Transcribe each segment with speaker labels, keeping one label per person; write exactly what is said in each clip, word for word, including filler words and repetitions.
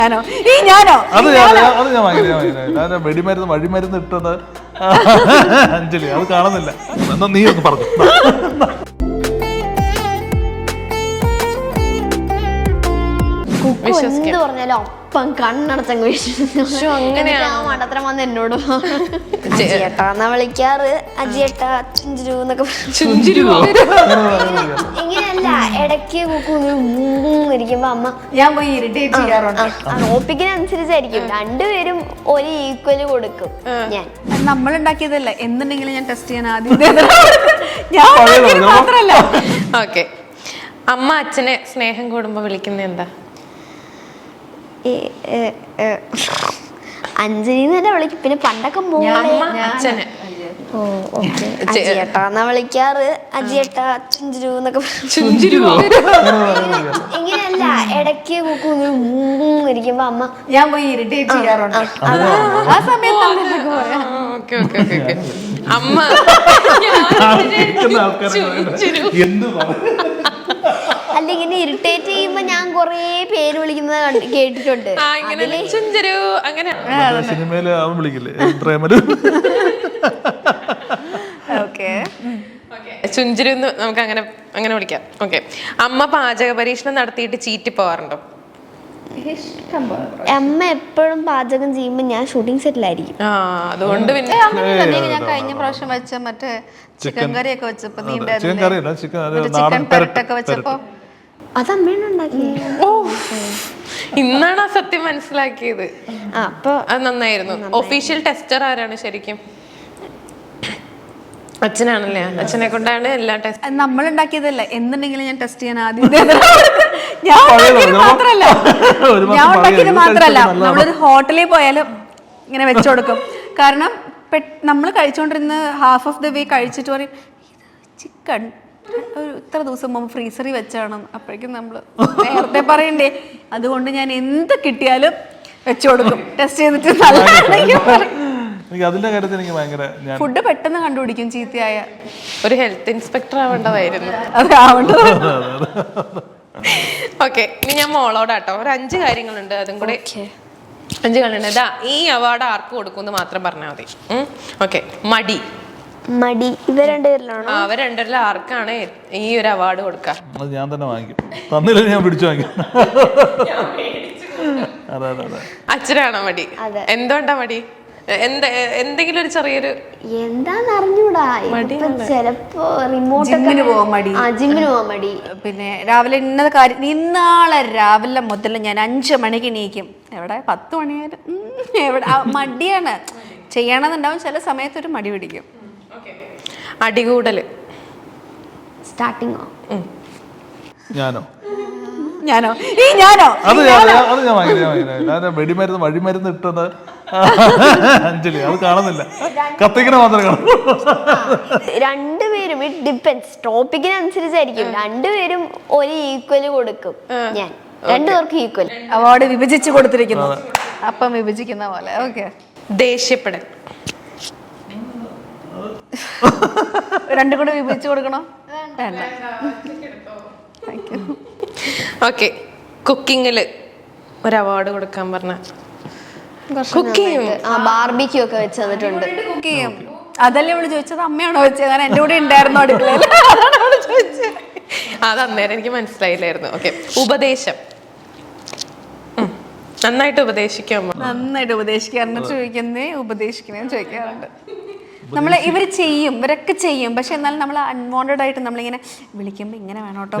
Speaker 1: ഈ ഞാനോ
Speaker 2: അത് അത് ഞാൻ വാങ്ങിയത് വെടിമരുന്ന് വഴിമരുന്ന് ഇട്ടത് അഞ്ജലി അത് കാണുന്നില്ല. എന്നാ നീ ഒന്ന് പറഞ്ഞു.
Speaker 3: എന്ത് പറഞ്ഞാലും അപ്പം കണ്ണടച്ചങ്ങ് വിശ്വസിച്ചു. അങ്ങനെ ആ മണ്ടത്തരം വന്ന് എന്നോട് അജിയേട്ടാന്നാ വിളിക്കാറ്. അജിയേട്ടാ ചുഞ്ചിരു എന്നൊക്കെ ഇങ്ങനെയല്ല. ഇടയ്ക്ക് ഇരിക്കുമ്പോ അമ്മ
Speaker 1: ഞാൻ പോയി ഇറിറ്റേറ്റ് ചെയ്യാറുണ്ട്.
Speaker 3: ഓപ്പിക്കിനനുസരിച്ചായിരിക്കും. രണ്ടുപേരും ഒരു ഈക്വല് കൊടുക്കും. ഞാൻ
Speaker 1: നമ്മൾ ഉണ്ടാക്കിയതല്ല എന്തുണ്ടെങ്കിലും ഞാൻ ടെസ്റ്റ് ചെയ്യാൻ ആദ്യം ഞാൻ മാത്രല്ല.
Speaker 4: ഓക്കെ, അമ്മ അച്ഛനെ സ്നേഹം കൂടുമ്പോ വിളിക്കുന്നത് എന്താ?
Speaker 3: അഞ്ജലി തന്നെ വിളിക്കും. പിന്നെ പണ്ടൊക്കെ
Speaker 4: അച്ഛനെ
Speaker 3: അജിയേട്ടാന്നാ വിളിക്കാറ്. അജിയേട്ടാ ചുഞ്ചിരു എന്നൊക്കെ ഇങ്ങനെയല്ല. ഇടയ്ക്ക് ഇരിക്കുമ്പോ അമ്മ
Speaker 1: ഞാൻ പോയി ഇറിറ്റേറ്റ് ചെയ്യാറുണ്ട്. ആ സമയത്ത്
Speaker 4: അമ്മ
Speaker 3: അല്ല ഇങ്ങനെ ഇറിറ്റേറ്റ് ചെയ്യുമ്പോ ഞാൻ കൊറേ പേര് വിളിക്കുന്നത് കേട്ടിട്ടുണ്ട്.
Speaker 2: സിനിമയില് അവൻ വിളിക്കില്ലേ പ്രേമല്.
Speaker 4: ചുഞ്ചിരു നമുക്ക് അങ്ങനെ അങ്ങനെ വിളിക്കാം. ഓക്കെ, അമ്മ പാചക പരീക്ഷണം നടത്തിയിട്ട് ചീറ്റി പോവാറുണ്ടോ?
Speaker 3: അമ്മ എപ്പോഴും പാചകം ചെയ്യുമ്പോ ഞാൻ ഷൂട്ടിംഗ് സെറ്റിലായിരിക്കും.
Speaker 4: ആ, അതുകൊണ്ട് പിന്നെ
Speaker 1: ഞാൻ കഴിഞ്ഞ പ്രാവശ്യം വെച്ച മറ്റേ ചിക്കൻ കറി ഒക്കെ വെച്ചപ്പോ നീ
Speaker 2: ചിക്കൻ
Speaker 1: പെരട്ടൊക്കെ വെച്ചപ്പോ
Speaker 3: അത് അമ്മയാണ് ഉണ്ടാക്കി.
Speaker 4: ഓ, ഇന്നാണ് ആ സത്യം മനസ്സിലാക്കിയത്.
Speaker 3: അപ്പൊ
Speaker 4: അത് നന്നായിരുന്നു. ഒഫീഷ്യൽ ടെസ്റ്റർ ആരാണ് ശരിക്കും? അച്ഛനാണല്ലേ. അച്ഛനെ കൊണ്ടാണ് എല്ലാ ടെസ്റ്റ്.
Speaker 1: നമ്മൾ ഉണ്ടാക്കിയതല്ല എന്തുണ്ടെങ്കിലും ഞാൻ ടെസ്റ്റ് ചെയ്യാൻ ആദ്യം ഞാൻ ഉണ്ടാക്കിയത് മാത്രല്ല ഞാൻ ഉണ്ടാക്കിയത് മാത്രല്ല നമ്മളൊരു ഹോട്ടലിൽ പോയാലും ഇങ്ങനെ വെച്ചു കൊടുക്കും. കാരണം നമ്മൾ കഴിച്ചുകൊണ്ടിരുന്ന ഹാഫ് ഓഫ് ദ വേ കഴിച്ചിട്ട് പറയും ചിക്കൻ ഒരു ഇത്ര ദിവസം മുമ്പ് ഫ്രീസറിൽ വെച്ചാണ്. അപ്പോഴേക്കും നമ്മൾ നേരത്തെ പറയണ്ടേ. അതുകൊണ്ട് ഞാൻ എന്ത് കിട്ടിയാലും വെച്ചു കൊടുക്കും. ടെസ്റ്റ് ചെയ്തിട്ട്
Speaker 2: എനിക്ക് അതിന്റെ കാര്യത്തിൽ എനിക്ക് ഭയങ്കര
Speaker 1: ഫുഡ് പെട്ടെന്ന് കണ്ടുപിടിക്കും ചീത്തയായ.
Speaker 4: ഒരു ഹെൽത്ത് ഇൻസ്പെക്ടർ ആവേണ്ടതായിരുന്നു. ഓക്കെ, ഇനി ഞാൻ മോളോടാട്ടോ ഒരു അഞ്ച് കാര്യങ്ങളുണ്ട്. അതും കൂടെ അഞ്ച് കാര്യങ്ങളുണ്ട്. ഇതാ ഈ അവാർഡ് ആർക്ക് കൊടുക്കുമെന്ന് മാത്രം പറഞ്ഞാൽ മതി. ഓക്കെ, മടി
Speaker 3: മടി ഇവ രണ്ടുപേരിലാണോ?
Speaker 4: അവർ രണ്ടുപേരിൽ ആർക്കാണ് ഈ ഒരു അവാർഡ് കൊടുക്കുക?
Speaker 2: അത് ഞാൻ തന്നെ വാങ്ങിക്കും. തന്നില്ല ഞാൻ പിടിച്ചു വാങ്ങിക്കും.
Speaker 4: അച്ഛനാണോ മടി? എന്തുകൊണ്ടാ മടി? എന്താ എന്തെങ്കിലും ഒരു ചെറിയൊരു
Speaker 3: എന്താന്ന് അറിഞ്ഞൂടാ. ചിലപ്പോ
Speaker 1: ജിമ്മിന് പോവാൻ മടി.
Speaker 3: ജിമ്മിന് പോവാൻ മടി.
Speaker 1: പിന്നെ രാവിലെ ഇന്നത് കാര്യം ഇന്നാളെ രാവിലെ മുതൽ ഞാൻ അഞ്ചു മണിക്ക് എണീക്കും. എവിടെ പത്ത് മണിയായാലും എവിടെ മടിയാണ്. ചെയ്യണമെന്നുണ്ടാവും. ചില സമയത്തൊരു മടി പിടിക്കും.
Speaker 4: അടികൂടല്
Speaker 3: സ്റ്റാർട്ടിങ്ങോ?
Speaker 2: ഞാനോ
Speaker 1: ഞാനോ ഈ ഞാനോ
Speaker 2: അത് അത് ഞാൻ വാങ്ങിയത് വെടിമരുന്ന് വഴിമരുന്ന് ഇട്ടത് അഞ്ജലി അത് കാണുന്നില്ല. കത്തിക്കണ മാത്രമേ കാണൂ.
Speaker 3: രണ്ടുപേരും ഇറ്റ് ഡിപ്പെൻസ്. ടോപ്പിക്കിനനുസരിച്ചായിരിക്കും. രണ്ടുപേരും ഒരു ഈക്വല് കൊടുക്കും. ഞാൻ രണ്ടുപേർക്കും ഈക്വൽ.
Speaker 1: അവാർഡ് വിഭജിച്ച് കൊടുത്തിരിക്കുന്നു. അപ്പം വിഭജിക്കുന്ന പോലെ. ഓക്കെ,
Speaker 4: ദേഷ്യപ്പെടൽ
Speaker 1: രണ്ടും കൂടെ വിഭജിച്ച് കൊടുക്കണോ? വേണ്ട.
Speaker 4: ഓക്കെ, കുക്കിങ്ങില് ഒരു അവാർഡ് കൊടുക്കാൻ പറഞ്ഞ
Speaker 3: ബാർബിക്യൂ ഒക്കെ വെച്ച് തന്നിട്ടുണ്ട്.
Speaker 1: കുക്ക് ചെയ്യും. അതല്ലേ അവള് ചോദിച്ചത്? അമ്മയാണോ വെച്ചത്? കാരണം എന്റെ കൂടെ ഉണ്ടായിരുന്നു അടുക്കളയിൽ.
Speaker 4: അത് അന്നേരം എനിക്ക് മനസ്സിലായില്ലായിരുന്നു. ഓക്കെ, ഉപദേശം നന്നായിട്ട് ഉപദേശിക്കാൻ
Speaker 1: നന്നായിട്ട് ഉപദേശിക്കാറുണ്ട്. ചോദിക്കുന്നേ ഉപദേശിക്കുന്നേ ചോദിക്കാറുണ്ട്. നമ്മള് ഇവര് ചെയ്യും, ഇവരൊക്കെ ചെയ്യും. പക്ഷെ എന്നാലും നമ്മൾ അൺവാണ്ടഡ് ആയിട്ട് നമ്മളിങ്ങനെ വിളിക്കുമ്പോ ഇങ്ങനെ വേണോട്ടോ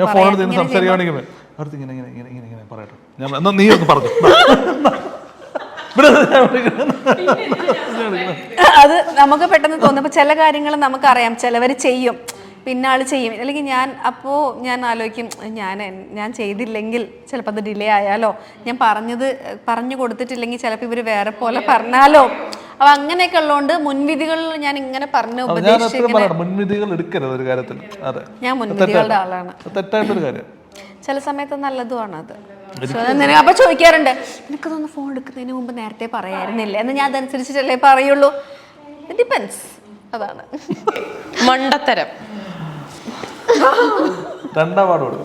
Speaker 1: അത് നമുക്ക് പെട്ടെന്ന് തോന്നുമ്പോ ചില കാര്യങ്ങൾ നമുക്കറിയാം. ചിലവർ ചെയ്യും, പിന്നെ ആള് ചെയ്യും. അല്ലെങ്കിൽ ഞാൻ അപ്പോൾ ഞാൻ ആലോചിക്കും ഞാൻ ഞാൻ ചെയ്തില്ലെങ്കിൽ ചിലപ്പോൾ അത് ഡിലേ ആയാലോ, ഞാൻ പറഞ്ഞത് പറഞ്ഞു കൊടുത്തിട്ടില്ലെങ്കിൽ ചിലപ്പോൾ ഇവർ വേറെ പോലെ പറഞ്ഞാലോ. അപ്പൊ അങ്ങനെയൊക്കെ ഉള്ളതുകൊണ്ട് മുൻവിധികൾ ഞാൻ ഇങ്ങനെ പറഞ്ഞു ഉപദേശിക്കുന്നത്.
Speaker 2: മുൻവിധികൾ എടുക്കരുത് ഒരു കാര്യത്തിൽ. അതെ,
Speaker 1: ഞാൻ മുൻവിധികളുടെ ആളാണ്.
Speaker 2: തെറ്റായിട്ടൊരു കാര്യം.
Speaker 1: ചില സമയത്ത് നല്ലതുമാണ് അത്. അപ്പൊ ചോദിക്കാറുണ്ട് എനിക്കതൊന്ന് ഫോൺ എടുക്കുന്നതിന് മുമ്പ് നേരത്തെ പറയായിരുന്നില്ല എന്ന്. ഞാൻ അതനുസരിച്ചിട്ടല്ലേ പറയുള്ളൂ. ഡിപ്പെൻസ്. അതാണ്
Speaker 4: മണ്ടത്തരം.
Speaker 2: രണ്ടാം അവാർഡ് കൊടുക്കും.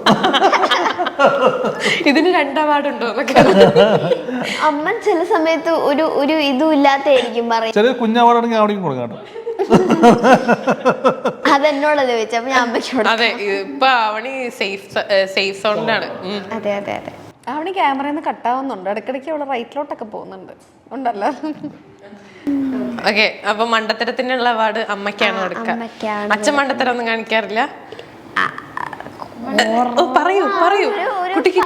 Speaker 4: ഇതിന് രണ്ട് അവാർഡ് ഉണ്ടോ എന്നൊക്കെ.
Speaker 3: അമ്മ ചില സമയത്ത് ഒരു ഒരു ഇതും ഇല്ലാത്തായിരിക്കും പറയും.
Speaker 2: ചെറിയ കുഞ്ഞ അവാർഡാണെങ്കിൽ അവിടേക്കും കൊടുക്കാം കേട്ടോ.
Speaker 3: അതെന്നോടല്ലേ ചോദിച്ചു, അപ്പൊ ഞാൻ അമ്മയ്ക്കോട്.
Speaker 4: അതെ, ഇപ്പൊ അവണി സേഫ് സേഫ് സോണിലാണ്.
Speaker 3: അതെ അതെ അതെ.
Speaker 1: അവിടെ ക്യാമറയിൽ നിന്ന് കട്ടാവുന്നുണ്ട്, ഇടയ്ക്കിടയ്ക്ക് അവള് റൈറ്റിലോട്ടൊക്കെ പോകുന്നുണ്ട് ഉണ്ടല്ലോ.
Speaker 4: ഓക്കെ, അപ്പൊ മണ്ടത്തരത്തിനുള്ള അവാർഡ് അമ്മയ്ക്കാണ് കൊടുക്കുക.
Speaker 3: അമ്മയ്ക്കാണ്.
Speaker 4: അച്ഛൻ മണ്ടത്തരം ഒന്നും കാണിക്കാറില്ല. ഓ, പറയൂ പറയൂ കുട്ടിക്ക്.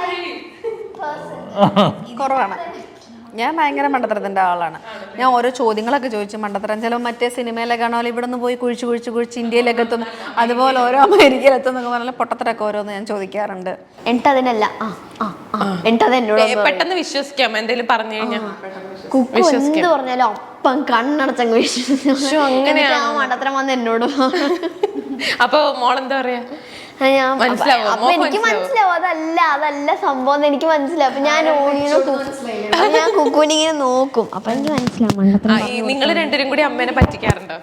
Speaker 1: കുറവാണ്. ഞാൻ ഭയങ്കര മണ്ടത്തരത്തിന്റെ ആളാണ്. ഞാൻ ഓരോ ചോദ്യങ്ങളൊക്കെ ചോദിച്ചു മണ്ടത്തരം. ചിലപ്പോൾ മറ്റേ സിനിമയിലൊക്കെ ആണോ ഇവിടെ നിന്ന് പോയി കുഴിച്ച് കുഴിച്ച് കുഴിച്ച് ഇന്ത്യയിലേക്ക് എത്തുന്നു, അതുപോലെ ഓരോ അമേരിക്കയിൽ എത്തുന്നൊക്കെ പറഞ്ഞാൽ പൊട്ടത്തരൊക്കെ ഓരോന്ന് ഞാൻ ചോദിക്കാറുണ്ട്.
Speaker 3: എന്നിട്ടതിനല്ല ആ ആ ആ എന്നിട്ടത് എന്നോട്
Speaker 4: ഏ, പെട്ടെന്ന് വിശ്വസിക്കാം എന്തെങ്കിലും പറഞ്ഞു കഴിഞ്ഞാൽ.
Speaker 3: കുക്കു എന്ത് പറഞ്ഞാലും അപ്പം കണ്ണടച്ചങ്ങ് വിശ്വസിച്ചു. അങ്ങനെ ആ മണ്ടത്തരം വന്ന് എന്നോട്.
Speaker 4: അപ്പൊ മോളെന്താ പറയാ?
Speaker 3: ഞാൻ
Speaker 4: മനസ്സിലാവോ?
Speaker 3: അപ്പൊ എനിക്ക് മനസ്സിലാവും അതല്ല അതല്ല സംഭവം എന്ന് എനിക്ക് മനസ്സിലാവും. അപ്പൊ ഞാൻ ഇങ്ങനെ ഞാൻ കുക്കുവിനെ ഇങ്ങനെ നോക്കും, അപ്പൊ എനിക്ക് മനസ്സിലാവും.
Speaker 4: നിങ്ങൾ രണ്ടുപേരും കൂടി അമ്മേനെ പറ്റിക്കാറുണ്ടോ?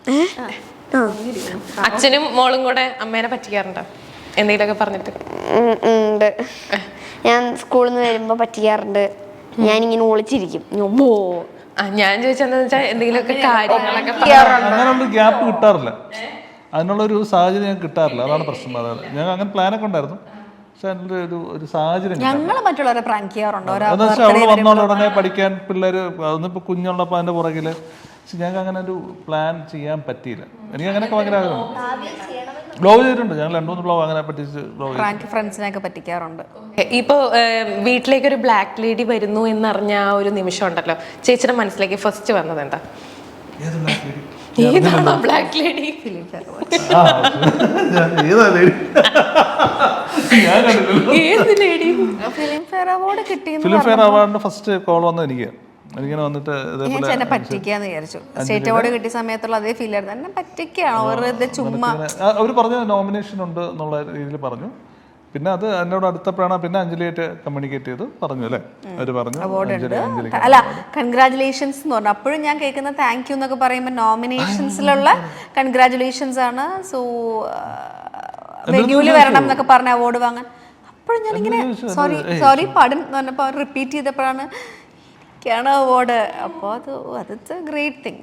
Speaker 4: അച്ഛനും മോളും കൂടെ അമ്മേനെ പറ്റിക്കാറുണ്ടോ എന്തെങ്കിലുമൊക്കെ പറഞ്ഞിട്ട്?
Speaker 3: ഉണ്ട്. ഞാൻ സ്കൂളിൽ നിന്ന് വരുമ്പോ പറ്റിക്കാറുണ്ട്. ഞാനിങ്ങനെ ഒളിച്ചിരിക്കും.
Speaker 4: ഞാൻ ചോദിച്ചെന്താ വെച്ചാൽ എന്തെങ്കിലുമൊക്കെ കാര്യങ്ങളൊക്കെ
Speaker 2: അങ്ങനെയുള്ള ഗ്യാപ്പ് കിട്ടാറില്ല, അതിനുള്ളൊരു സാഹചര്യം ഞങ്ങൾക്ക് കിട്ടാറില്ല. അതാണ് പ്രശ്നം. അതാണ് ഞങ്ങൾ അങ്ങനെ പ്ലാനൊക്കെ ഉണ്ടായിരുന്നു, പക്ഷെ അതിൻ്റെ ഒരു ഒരു സാഹചര്യം
Speaker 1: ഞങ്ങൾ മറ്റുള്ളവരെ പ്രാങ്ക് ചെയ്യാറുണ്ടോ?
Speaker 2: എന്താ വെച്ചാൽ അവള് വന്നോളൂ ഉടനെ പഠിക്കാൻ പിള്ളേർ അതൊന്നിപ്പോൾ കുഞ്ഞുള്ളപ്പോൾ അതിൻ്റെ പുറകിൽ. പക്ഷെ ഞങ്ങൾക്ക് അങ്ങനെ ഒരു പ്ലാൻ ചെയ്യാൻ പറ്റിയില്ല. എനിക്ക് അങ്ങനെയൊക്കെ ഭയങ്കര ആഗ്രഹം. ബ്ലോഗ് ചെയ്തിട്ടുണ്ട്, ഞങ്ങൾ രണ്ടു മൂന്ന് ബ്ലോഗ് അങ്ങനെ പറ്റിച്ച് ബ്ലോഗ്
Speaker 1: പ്രാങ്ക് ഫ്രണ്ട്സിനെയൊക്കെ പറ്റിക്കാറുണ്ട്.
Speaker 4: ഇപ്പൊ വീട്ടിലേക്ക് ഒരു ബ്ലാക്ക് ലേഡി വരുന്നു എന്നറിഞ്ഞ ആ ഒരു നിമിഷം ഉണ്ടല്ലോ, ചേച്ചിയുടെ മനസ്സിലേക്ക് ഫസ്റ്റ് വന്നത് എന്താ? ഏതാണോ ബ്ലാക്ക് ലേഡി? ഏത് ലേഡി?
Speaker 1: ഫിലിം ഫെയർ അവാർഡ് കിട്ടിയെന്ന്
Speaker 2: ഫിലിം ഫെയർ അവാർഡിന്റെ ഫസ്റ്റ് കോൾ വന്നത് എനിക്ക്. എനിക്കിങ്ങനെ വന്നിട്ട്
Speaker 1: ഞാൻ എന്നെ പറ്റിക്കാന്ന് വിചാരിച്ചു. സ്റ്റേറ്റ് അവാർഡ് കിട്ടിയ സമയത്തുള്ള അതേ ഫീൽ ആയിരുന്നു. എന്നെ പറ്റിക്കാണോ വെറുതെ ചുമ്മാ.
Speaker 2: അവർ പറഞ്ഞു നോമിനേഷൻ ഉണ്ട് എന്നുള്ള രീതിയിൽ പറഞ്ഞു. പിന്നെ അത് എന്നോട് അടുത്തപ്പോഴാണ് പിന്നെ അഞ്ജലിയായിട്ട് കമ്മ്യൂണിക്കേറ്റ് ചെയ്ത് പറഞ്ഞു അല്ലേ, അവർ പറഞ്ഞു
Speaker 1: അല്ല കൺഗ്രാറ്റുലേഷൻസ് എന്ന് പറഞ്ഞു. അപ്പോഴും ഞാൻ കേൾക്കുന്ന താങ്ക് യു എന്നൊക്കെ പറയുമ്പോൾ നോമിനേഷൻസിലുള്ള കൺഗ്രാറ്റുലേഷൻസ് ആണ്. സോ വെന്യൂല് വരണം എന്നൊക്കെ പറഞ്ഞ അവാർഡ് വാങ്ങാൻ. അപ്പോഴും ഞാനിങ്ങനെ സോറി സോറി പാടൻ എന്ന് പറഞ്ഞപ്പോൾ അവർ റിപ്പീറ്റ് ചെയ്തപ്പോഴാണ് അവാർഡ്. അപ്പൊ അത് അതൊക്കെ ഗ്രേറ്റ് തിങ്.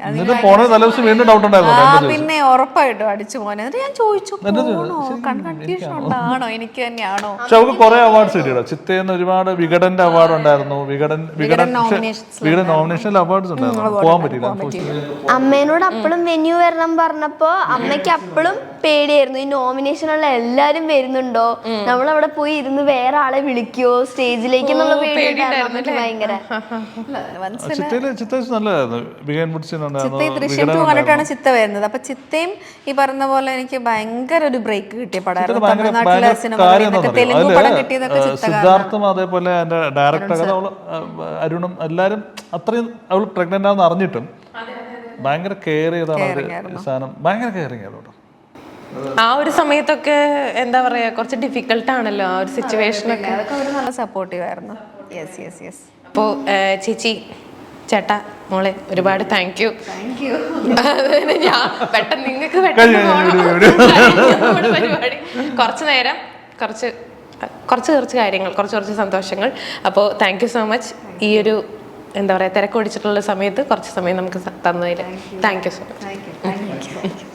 Speaker 1: പിന്നെ ഉറപ്പായിട്ടും അടിച്ചു പോനെ. എന്നിട്ട് ഞാൻ ചോദിച്ചു കൺഫ്യൂഷൻ ഉണ്ടാണോ എനിക്ക് തന്നെയാണോ?
Speaker 2: പക്ഷെ അവർക്ക് കുറെ അവാർഡ്സ് കിട്ടിയോ. ചിത്തേന്ന് ഒരുപാട് വികടന്റെ അവാർഡ് ഉണ്ടായിരുന്നു. വികടൻ വികടൻ വികടൻ നോമിനേഷനിൽ അവാർഡ്സ് ഉണ്ടായിരുന്നു, പോകാൻ പറ്റിയില്ല.
Speaker 3: അമ്മേനോട് അപ്പഴും വെന്യൂ വരണം പറഞ്ഞപ്പോ അമ്മയ്ക്ക് അപ്പഴും പേടിയായിരുന്നു. ഈ നോമിനേഷനുള്ള എല്ലാരും വരുന്നുണ്ടോ, നമ്മളവിടെ പോയി ഇരുന്ന് വേറെ ആളെ വിളിക്കോ സ്റ്റേജിലേക്ക് എന്നുള്ള പേടി ഭയങ്കര.
Speaker 1: ദൃശ്യം ടു കണ്ടിട്ടാണ് ചിത്ത വരുന്നത്. അപ്പൊ ചിത്തയും ഈ പറഞ്ഞ പോലെ എനിക്ക് ഭയങ്കര ഒരു ബ്രേക്ക് കിട്ടിയ പടമായിരുന്നു. തമിഴ്നാട്ടിലെ സിനിമ തെലുങ്ക് പടം കിട്ടിയതൊക്കെ
Speaker 2: സിദ്ധാർത്ഥും അതേപോലെ എന്റെ ഡയറക്ടർ അവള് അരുണും എല്ലാരും അത്രയും അവള് പ്രഗ്നന്റ് ആണെന്ന് അറിഞ്ഞിട്ടും ഭയങ്കര കെയർ ചെയ്താണ് അവര് സാധനം. ഭയങ്കര കെയറിങ് ആയിരുന്നു.
Speaker 4: ആ ഒരു സമയത്തൊക്കെ എന്താ പറയാ കുറച്ച് ഡിഫിക്കൽട്ട് ആണല്ലോ ആ ഒരു സിറ്റുവേഷനൊക്കെ.
Speaker 1: അതൊക്കെ അവർ നല്ല സപ്പോർട്ടീവ് ആയിരുന്നു. Yes yes yes.
Speaker 4: അപ്പോൾ ചേച്ചി ചേട്ടാ മോളെ ഒരുപാട് താങ്ക് യു. ഞാൻ പെട്ടെന്ന് നിങ്ങൾക്ക് പെട്ടെന്ന് പരിപാടി കുറച്ച് നേരം കുറച്ച് കുറച്ച് കുറച്ച് കാര്യങ്ങൾ കുറച്ച് കുറച്ച് സന്തോഷങ്ങൾ. അപ്പോൾ താങ്ക് യു സോ മച്ച്. ഈ ഒരു എന്താ പറയുക തിരക്കൊടിച്ചിട്ടുള്ള സമയത്ത് കുറച്ച് സമയം നമുക്ക് തന്നതിൽ താങ്ക് യു സോ മച്ച്.